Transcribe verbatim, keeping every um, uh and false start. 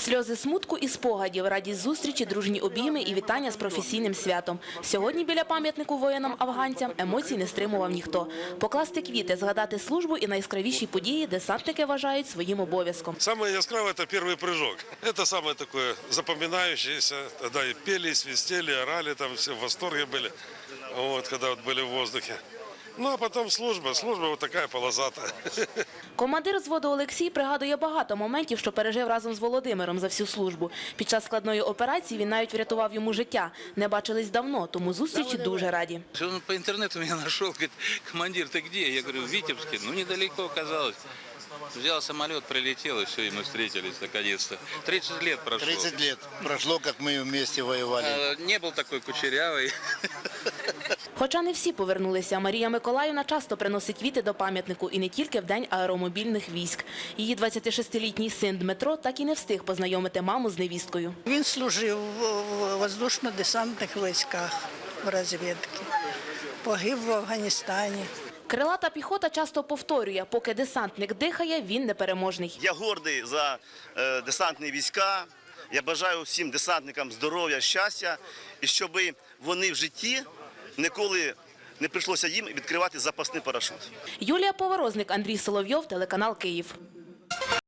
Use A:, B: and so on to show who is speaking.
A: Сльози смутку і спогадів, радість зустрічі, дружні обійми і вітання з професійним святом. Сьогодні біля пам'ятнику воїнам-афганцям емоцій не стримував ніхто. Покласти квіти, згадати службу і найяскравіші події десантники вважають своїм обов'язком.
B: Самое яскравое – это первый прыжок. Это самое такое запоминающееся. Тогда и пели, и свистели, и орали, там все в восторге были, вот, когда вот были в воздухе. Ну, а потом служба. Служба вот такая полосатая.
A: Командир взводу Олексій пригадує багато моментів, що пережив разом з Володимиром за всю службу. Під час складної операції він навіть врятував йому життя. Не бачились давно, тому зустрічі дуже раді.
C: Он по интернету меня нашел, говорит: командир, ты где? Я говорю: в Витебске. Ну, недалеко оказалось. Взял самолет, прилетел, и все, и мы встретились наконец-то. тридцать лет прошло.
D: тридцать лет прошло, как мы вместе воевали.
C: А, не был такой кучерявый.
A: Хоча не всі повернулися, Марія Миколаївна часто приносить квіти до пам'ятнику і не тільки в День аеромобільних військ. Її двадцятишестилітній син Дмитро так і не встиг познайомити маму з невісткою.
E: Він служив в воздушно-десантних військах в розвідці, погиб в Афганістані.
A: Крилата піхота часто повторює, поки десантник дихає, він непереможний.
F: Я гордий за е, десантні війська. Я бажаю всім десантникам здоров'я, щастя, і щоб вони в житті ніколи не прийшлося їм відкривати запасний парашут.
A: Юлія Поворозник, Андрій Соловйов, телеканал Київ.